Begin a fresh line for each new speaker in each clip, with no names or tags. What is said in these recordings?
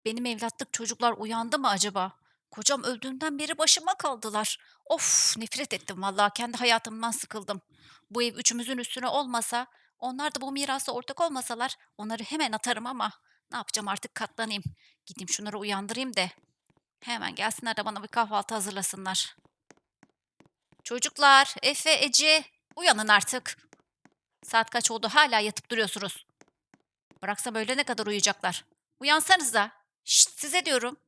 benim evlatlık çocuklar uyandı mı acaba? Kocam öldüğünden beri başıma kaldılar. Of, nefret ettim vallahi, kendi hayatımdan sıkıldım. Bu ev üçümüzün üstüne olmasa, onlar da bu mirasa ortak olmasalar onları hemen atarım ama ne yapacağım artık, katlanayım. Gideyim şunları uyandırayım da hemen gelsinler de bana bir kahvaltı hazırlasınlar. Çocuklar, Efe, Ece, uyanın artık. Saat kaç oldu hala yatıp duruyorsunuz. Bıraksam öğlene kadar uyuyacaklar. Uyansanıza. Şşt, size diyorum.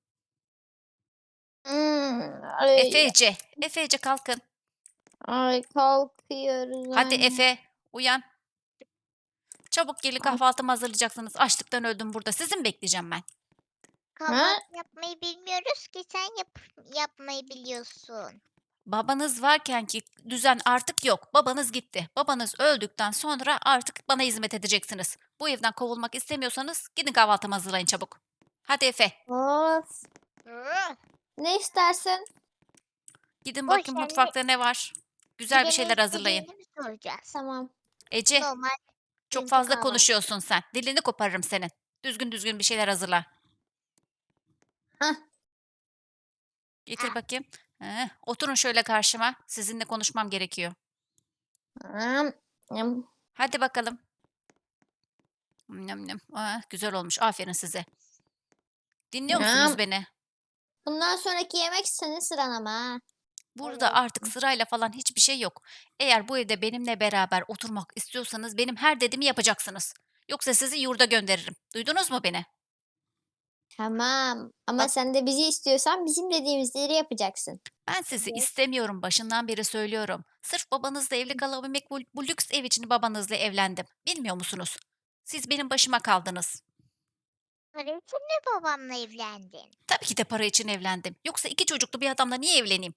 Efe,
Ay,
Ece. Efe, Ece kalkın.
ay kalkıyoruz
Hadi
anne.
Efe, uyan. Çabuk gelin,
Ay,
kahvaltımı hazırlayacaksınız. Açlıktan öldüm burada. Sizi mi bekleyeceğim ben?
ha?
Kahvaltı yapmayı bilmiyoruz ki sen yapmayı biliyorsun.
Babanız varken ki düzen artık yok. Babanız gitti. Babanız öldükten sonra artık bana hizmet edeceksiniz. Bu evden kovulmak istemiyorsanız gidin kahvaltımı hazırlayın çabuk. Hadi Efe,
Of.
Hı,
Ne istersin?
gidin
boş
bakayım
ver
mutfakta ne var. Güzel bir
bize ne
şeyler hazırlayın.
istediğini mi soracağız?
Tamam.
Ece,
Normal
çok
dünkü
fazla
kahvaltı.
konuşuyorsun sen. Dilini koparırım senin. Düzgün düzgün bir şeyler hazırla.
Hah.
Getir
Ah,
bakayım. Oturun şöyle karşıma. Sizinle konuşmam gerekiyor.
Am, am,
Hadi bakalım. Nım nım. Güzel olmuş. Aferin size. Dinliyor musunuz
am.
beni?
Bundan sonraki yemek senin sıran ama ha.
Burada
evet.
artık sırayla falan hiçbir şey yok. Eğer bu evde benimle beraber oturmak istiyorsanız benim her dediğimi yapacaksınız. Yoksa sizi yurda gönderirim. Duydunuz mu beni?
Tamam. Ama
Bak,
sen de bizi istiyorsan bizim dediğimizleri yapacaksın.
ben sizi
Evet.
istemiyorum, başından beri söylüyorum. Sırf babanızla evli kalabilmek, bu lüks ev için babanızla evlendim. Bilmiyor musunuz? Siz benim başıma kaldınız.
Para için mi babamla evlendin?
Tabii ki de para için evlendim. Yoksa iki çocuklu bir adamla niye evleneyim?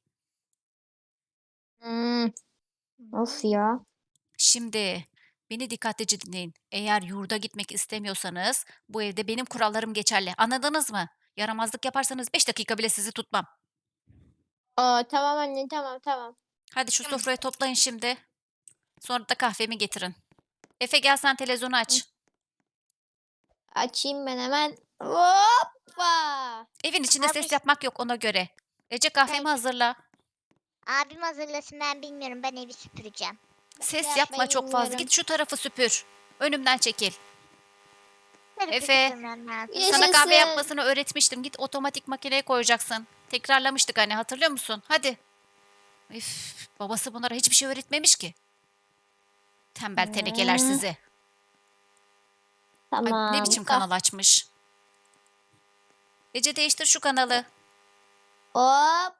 Hmm, of
Hmm.
ya.
Şimdi beni dikkatlice dinleyin. Eğer yurda gitmek istemiyorsanız bu evde benim kurallarım geçerli. Anladınız mı? Yaramazlık yaparsanız 5 dakika bile sizi tutmam.
Aa, tamam anne, tamam tamam.
Hadi şu
Tamam.
sofrayı toplayın şimdi. Sonra da kahvemi getirin. Efe, gel sen televizyonu
Hı,
aç.
açayım ben hemen. Hoppa.
Evin içinde
Abi
ses yapmak yok, ona göre. Ece, kahvemi
belki
hazırla.
abim hazırlasın ben bilmiyorum ben evi süpüreceğim.
Ben de
Ses yapma
yapmayı
çok fazla.
bilmiyorum.
Git şu tarafı süpür. Önümden çekil.
Tarafı
Efe,
süpürmem lazım.
sana kahve
Yaşasın.
yapmasını öğretmiştim. Git otomatik makineye koyacaksın. Tekrarlamıştık hani, hatırlıyor musun? Hadi. Üf, babası bunlara hiçbir şey öğretmemiş ki. Tembel tenekeler
Hmm,
sizi. Ay, bu ne
tamam.
biçim kanal açmış. Ece, değiştir şu kanalı.
Hop.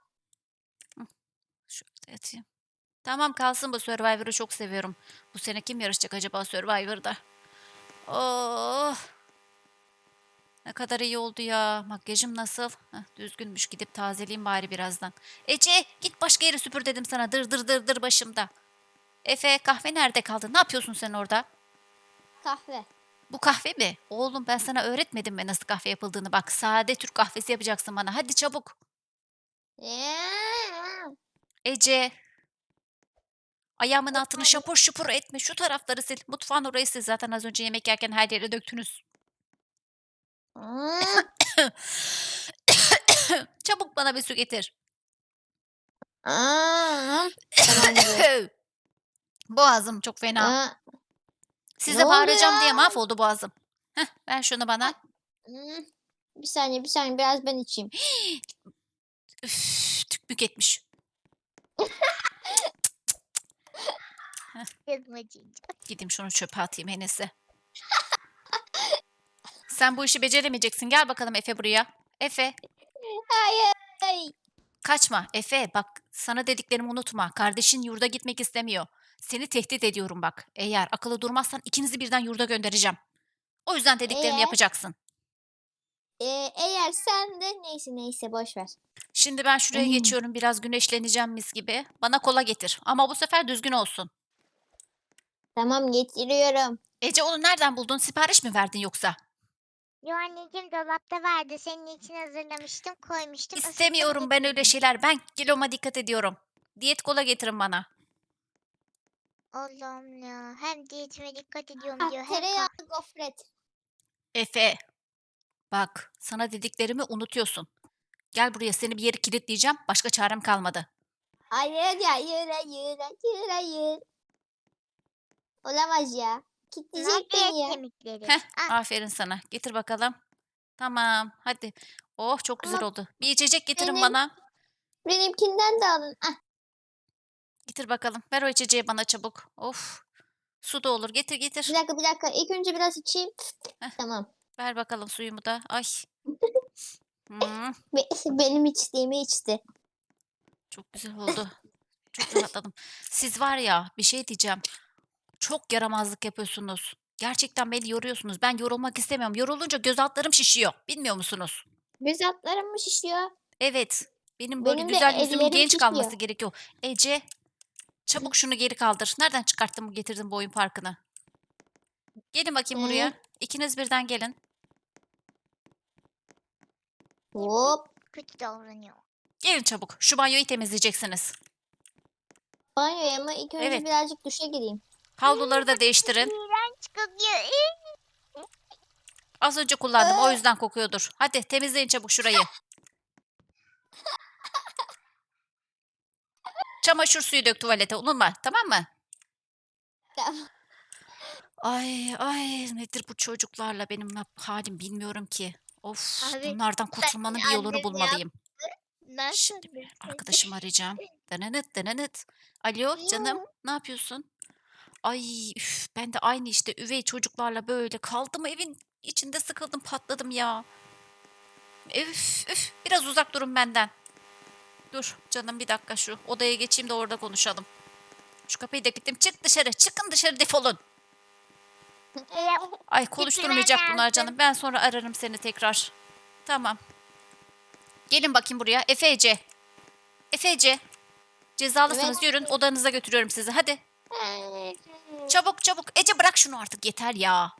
Şöyle atayım. Tamam, kalsın bu, Survivor'ı çok seviyorum. Bu sene kim yarışacak acaba Survivor'da? Oh, ne kadar iyi oldu ya. Makyajım nasıl? Heh, düzgünmüş, gidip tazeleyeyim bari birazdan. Ece, git başka yere süpür dedim sana. Dır dır dır dır başımda. Efe, kahve nerede kaldı? Ne yapıyorsun sen orada?
Kahve.
Bu kahve mi? Oğlum, ben sana öğretmedim mi nasıl kahve yapıldığını? Bak, sade Türk kahvesi yapacaksın bana. Hadi çabuk.
Ya.
Ece, ayağımın altını
Efendim,
şapur şupur etme. Şu tarafları sil. Mutfağın orayı sil. Zaten az önce yemek yerken her yere döktünüz.
Hmm,
Çabuk bana bir su getir.
aa, tamamdır.
Boğazım çok fena.
Aa, ne
Size
oldu
bağıracağım
ya?
diye mahvoldu boğazım. Heh, ver şunu bana.
Ay, hmm, bir saniye, bir saniye. Biraz ben içeyim.
Üf, tükmük etmiş. Heh,
kızmacığım.
gideyim şunu çöpe atayım en iyisi. Sen bu işi beceremeyeceksin. Gel bakalım Efe buraya. Efe,
Hayır.
kaçma. Efe, bak, sana dediklerimi unutma. Kardeşin yurda gitmek istemiyor. Seni tehdit ediyorum bak. Eğer akıllı durmazsan ikinizi birden yurda göndereceğim. O yüzden dediklerimi
Eğer,
yapacaksın.
eğer sen de neyse neyse boş ver.
Şimdi ben şuraya
Hmm,
geçiyorum. Biraz güneşleneceğim mis gibi. Bana kola getir. Ama bu sefer düzgün olsun.
tamam, getiriyorum.
Ece, onu nereden buldun? Sipariş mi verdin yoksa?
Yo anneciğim dolapta vardı. Senin için hazırlamıştım, koymuştum, ısıttım
İstemiyorum ben öyle
getirdim.
şeyler. Ben kiloma dikkat ediyorum. Diyet kola getirin bana.
Allah'ım ya. Hem diyetime dikkat ediyorum
Ah,
diyor hem
tereyağlı gofret.
Efe, Bak, sana dediklerimi unutuyorsun. Gel buraya, seni bir yere kilitleyeceğim. Başka çarem kalmadı.
Hayır hayır hayır hayır hayır. Olamaz ya.
Ne
Kitleyecek beni
yapıyor
ya.
kemikleri?
Heh,
Ah,
aferin sana. Getir bakalım. Tamam, hadi. Oh, çok güzel
Ama
oldu. Bir içecek getirin
benim
bana.
benimkinden de alın. Ah,
Getir bakalım. Ver o içeceği bana çabuk. Of. Su da olur. Getir
bir
getir.
dakika bir dakika. İlk önce biraz içeyim.
Heh,
Tamam.
ver bakalım suyumu da. Ay. Hmm,
Benim içtiğimi içti.
çok güzel oldu. Çok rahatladım. Siz var ya, bir şey diyeceğim. Çok yaramazlık yapıyorsunuz. Gerçekten beni yoruyorsunuz. Ben yorulmak istemiyorum. Yorulunca göz altlarım şişiyor. Bilmiyor musunuz?
Göz altlarım mı şişiyor?
Evet. Benim böyle
Benim de
güzel yüzümün
ellerim
genç kalması
şişiyor.
gerekiyor. Ece, çabuk şunu geri kaldır. Nereden çıkarttın bu getirdin bu oyun parkını? Gelin bakayım buraya.
Ee,
İkiniz birden gelin.
hop.
kötü davranıyor.
Gelin çabuk. Şu banyoyu temizleyeceksiniz.
Banyoya mı? İlk önce
Evet.
birazcık duşa gireyim.
Havluları da değiştirin.
İğrenç kokuyor.
Az önce kullandım. O
Ee,
yüzden kokuyordur. Hadi temizleyin çabuk şurayı. Çamaşır suyu dök tuvalete. Unutma. Tamam mı?
tamam.
Ay ay nedir bu çocuklarla benim halim bilmiyorum ki. Of
Abi
bunlardan kurtulmanın bir yolunu
annem
bulmalıyım.
nasıl
Şimdi bir arkadaşımı arayacağım. Denenet denenet. Alo canım ne yapıyorsun? Ay üf, ben de aynı işte üvey çocuklarla böyle kaldım evin içinde sıkıldım patladım ya. Üf üf biraz uzak durun benden. Dur canım bir dakika şu odaya geçeyim de orada konuşalım. Şu kapıyı da kilitledim. Çık dışarı çıkın dışarı defolun. Ay konuşturmayacak bunlar
lazım.
canım. Ben sonra ararım seni tekrar. Tamam. Gelin bakayım buraya. Efece. Efece. Cezalısınız.
Evet.
Yürün odanıza götürüyorum sizi. Hadi. Çabuk çabuk. Ece bırak şunu artık yeter ya.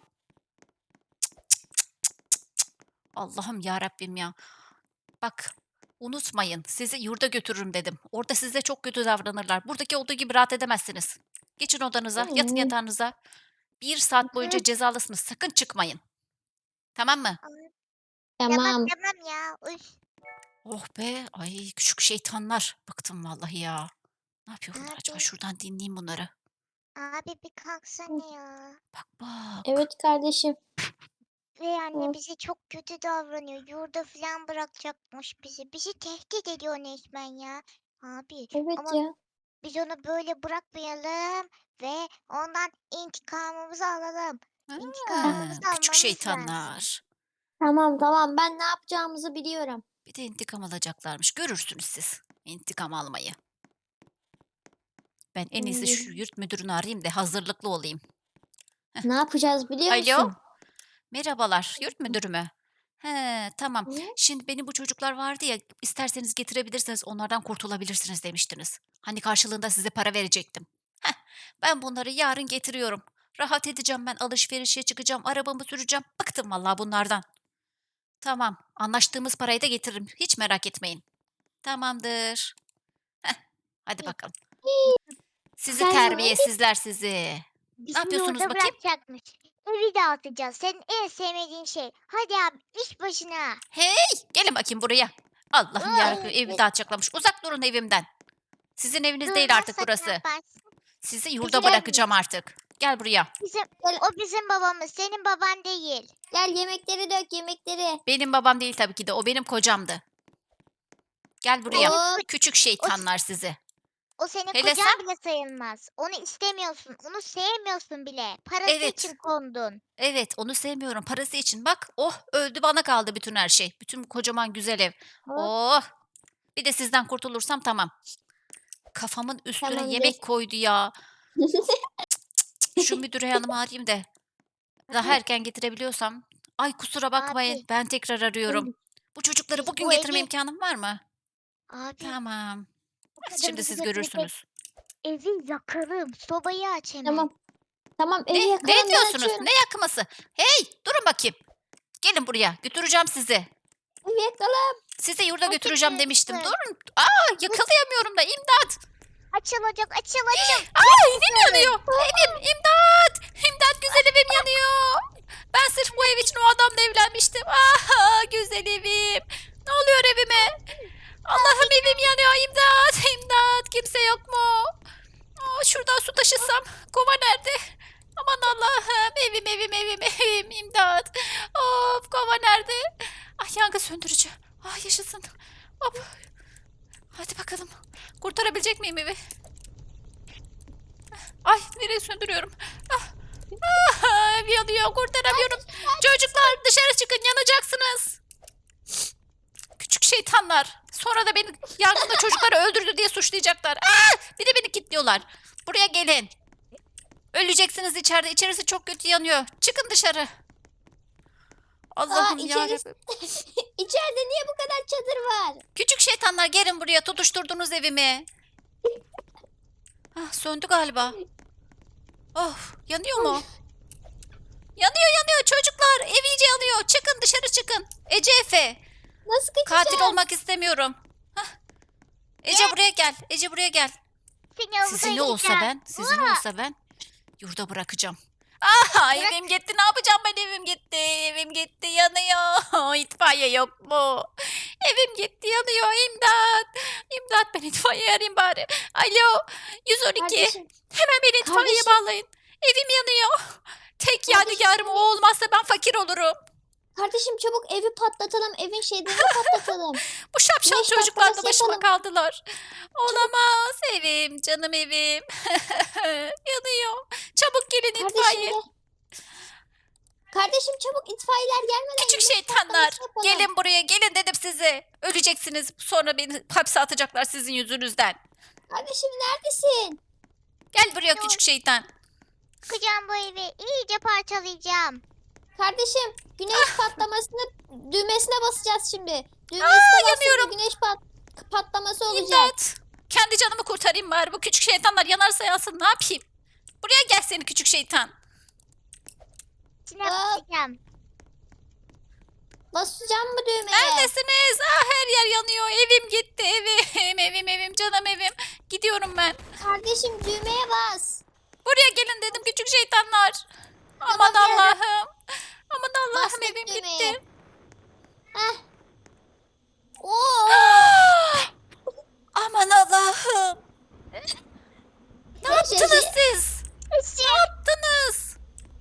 Allah'ım ya Rabbim ya. Bak unutmayın sizi yurda götürürüm dedim. Orada size çok kötü davranırlar. Buradaki olduğu gibi rahat edemezsiniz. Geçin odanıza. Yatın yatağınıza. 1 saat boyunca cezalısınız. Sakın çıkmayın. Tamam mı?
Tamam
Tamam.
tamam ya. Üf.
Oh be. Ay küçük şeytanlar. Bıktım vallahi ya. Ne yapıyor bunlar acaba?
Abi,
Şuradan dinleyeyim bunları.
abi bir kalksana ya.
Bak bak.
Evet kardeşim.
Ve anne
Hı.
bize çok kötü davranıyor. Yurda falan bırakacakmış bizi. Bizi tehdit ediyor resmen ya. Abi
Evet
ama
ya.
biz onu böyle bırakmayalım ve ondan intikamımızı alalım. İntikamımızı
Küçük
almamız lazım.
şeytanlar.
Tamam tamam. Ben ne yapacağımızı biliyorum.
Bir de intikam alacaklarmış. Görürsünüz siz intikam almayı. Ben en iyisi şu yurt müdürünü arayayım da hazırlıklı olayım.
Ne yapacağız biliyor
Alo.
musun?
Merhabalar. Yurt müdürü mü? He, tamam.
Hı?
Şimdi benim bu çocuklar vardı ya, isterseniz getirebilirsiniz, onlardan kurtulabilirsiniz demiştiniz. Hani karşılığında size para verecektim. Heh, ben bunları yarın getiriyorum. Rahat edeceğim ben, alışverişe çıkacağım, arabamı süreceğim. Bıktım vallahi bunlardan. Tamam, anlaştığımız parayı da getiririm. Hiç merak etmeyin. Tamamdır. Heh, hadi bakalım. Sizi
Sen
terbiyesizler sizi.
Bizi
Ne yapıyorsunuz
yurda
bakayım?
bırakacakmış. Evi dağıtacağız. Senin en sevmediğin şey. Hadi abi iş başına.
Hey, gelin bakayım buraya. Allah'ım yarabbim evi dağıtacaklarmış. Uzak durun evimden. Sizin eviniz değil artık
Durmazsak ne
burası.
yaparsın?
Sizi yurda
Bizim
bırakacağım artık. Gel buraya.
Bizim,
Gel.
o bizim babamız. Senin baban değil.
Gel yemekleri dök yemekleri.
Benim babam değil tabii ki de. O benim kocamdı. Gel buraya.
Hop.
Küçük şeytanlar sizi.
O senin
Hele
kocan
sen?
bile sayılmaz. Onu istemiyorsun. Onu sevmiyorsun bile. Parası
Evet.
için kondun.
Evet onu sevmiyorum. Parası için. Bak oh öldü bana kaldı bütün her şey. Bütün kocaman güzel ev.
Hop.
Oh. Bir de sizden kurtulursam tamam. Kafamın üstüne
Tamamdır.
yemek koydu ya. Şu müdür hanımı arayayım da. Daha erken getirebiliyorsam. Ay kusura bakmayın.
Abi.
Ben tekrar arıyorum. Bu çocukları
Biz
bugün
bu
getirme
evi-
imkanım var mı?
Abi.
Tamam.
bu kadın
Şimdi
bizi
siz
götürecek.
görürsünüz.
Evi yakarım. Sobayı aç hemen.
Tamam. Tamam evi
Ne
yakalım ben
diyorsunuz?
açıyorum.
Ne yakması? Hey durun bakayım. Gelin buraya. Götüreceğim sizi.
Evi yakalım.
Sizi yurda
Hadi
götüreceğim demiştim.
lütfen.
Durun. Yakalayamıyorum da imdat.
Açılacak. Açıl.
Evim yanıyor. Evim imdat. İmdat güzel evim yanıyor. Ben sırf bu ev için o adamla evlenmiştim. kova nerede? Ah, yangın söndürücü. Ah, yaşasın. Hop. Hadi bakalım. Kurtarabilecek miyim evi? Ay, nereye söndürüyorum? Ah, ev yanıyor, kurtaramıyorum. Çocuklar dışarı çıkın, yanacaksınız. Küçük şeytanlar. Sonra da beni yangında çocukları öldürdü diye suçlayacaklar. Bir de beni kilitliyorlar. Buraya gelin. Öleceksiniz içeride. İçerisi çok kötü yanıyor. Çıkın dışarı. Allah'ım
içerisi-
yarabbim.
İçeride niye bu kadar çadır var?
Küçük şeytanlar gelin buraya. Tutuşturdunuz evimi. Söndü galiba. Of, yanıyor mu? Yanıyor çocuklar. Ev iyice yanıyor. Çıkın dışarı çıkın. Ece, Efe.
Nasıl kaçacağız?
Katil olmak istemiyorum. Ece buraya gel. Ece buraya gel.
Seni havuza yiyeceğim.
Sizin olsa ben yurda bırakacağım. Evim gitti. Ne yapacağım ben? Evim gitti. Evim gitti. Yanıyor. İtfaiye yok mu? Evim gitti. Yanıyor. İmdat. İmdat, ben itfaiye arayayım bari. Alo. 112.
Kardeşim,
Hemen beni itfaiyeye
Kardeşim.
bağlayın. Evim yanıyor. Tek
Kardeşim,
yadigarım o olmazsa ben fakir olurum.
kardeşim çabuk evi patlatalım. Evin şeylerini patlatalım.
Bu şapşal
Güneş
çocuklar da
patlaması
başıma
yapalım.
kaldılar. Olamaz. Evim, canım evim. Yanıyor. Çabuk gelin
Kardeşim
itfaiye.
de. Kardeşim çabuk itfaiyeler gelmeden
Küçük
güneş
şeytanlar.
patlaması yapalım.
Gelin buraya, gelin dedim size. Öleceksiniz. Sonra beni hapse atacaklar sizin yüzünüzden.
Kardeşim neredesin?
Gel buraya küçük şeytan.
Kıracağım bu evi. İyice parçalayacağım.
Kardeşim güneş patlamasını düğmesine basacağız şimdi. Düğmesine
yanıyorum.
basınca güneş patlaması olacak.
İmdat. Kendi canımı kurtarayım bari. Bu küçük şeytanlar yanarsa yansın. Ne yapayım? Buraya gel seni küçük şeytan.
İçine
Aa.
basacağım.
Basacağım mı düğmeye?
Neredesiniz? Her yer yanıyor. Evim gitti. Evim, canım evim. Gidiyorum ben.
Kardeşim düğmeye bas.
Buraya gelin dedim küçük şeytanlar. Aman
Tamam, geldim.
Allah'ım. Aman Allah'ım,
Bastık
evim
düğmeye.
gitti.
Heh. Oo.
Aman Allah'ım. Ne yaptınız siz? Ne yaptınız?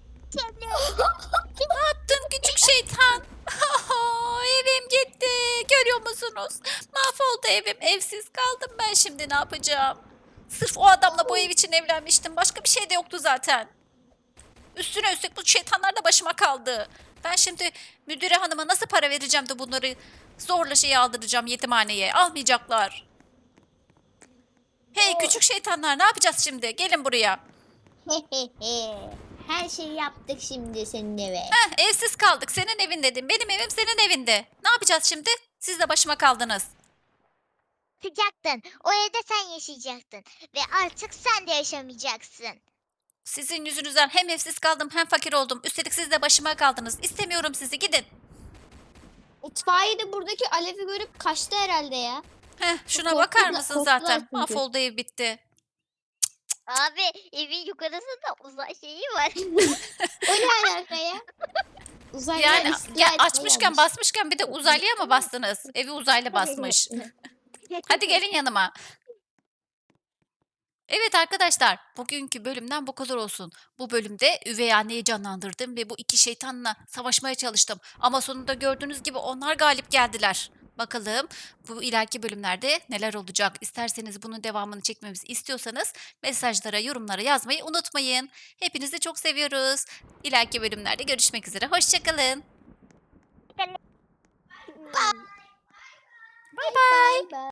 Ne yaptın küçük şeytan? Evim gitti. Görüyor musunuz? Mahvoldu evim. Evsiz kaldım ben, şimdi ne yapacağım? Sırf o adamla bu ev için evlenmiştim. Başka bir şey de yoktu zaten. Üstüne üstlük bu şeytanlar da başıma kaldı. Ben şimdi müdüre hanıma nasıl para vereceğim de bunları zorla şeye aldıracağım, yetimhaneye. Almayacaklar. Hey küçük şeytanlar, ne yapacağız şimdi? Gelin buraya.
Her şeyi yaptık şimdi senin eve.
Evsiz kaldık. Senin evin dedim. Benim evim senin evinde. Ne yapacağız şimdi? Siz de başıma kaldınız.
Sıcaktın. O evde sen yaşayacaktın. Ve artık sen de yaşamayacaksın.
Sizin yüzünüzden hem evsiz kaldım hem fakir oldum. Üstelik siz de başıma kaldınız. İstemiyorum sizi. Gidin.
İtfaiye de buradaki alevi görüp kaçtı herhalde ya.
Şuna
Korktular-
bakar mısın
korktular
zaten?
çünkü.
Mahvoldu, ev bitti.
Abi evin yukarısında uzay şeyi var.
O ne alaka ya? Uzaylılar
Yani
istila etmeye
açmışken
gelmiş.
basmışken bir de uzaylıya mı bastınız? Evi uzaylı basmış. Hadi gelin yanıma. Evet arkadaşlar, bugünkü bölümden bu kadar olsun. Bu bölümde üvey anneyi canlandırdım ve bu iki şeytanla savaşmaya çalıştım. Ama sonunda gördüğünüz gibi onlar galip geldiler. Bakalım bu ileriki bölümlerde neler olacak? İsterseniz bunun devamını çekmemizi istiyorsanız mesajlara, yorumlara yazmayı unutmayın. Hepinizi çok seviyoruz. İleriki bölümlerde görüşmek üzere. Hoşçakalın.
Bye bye.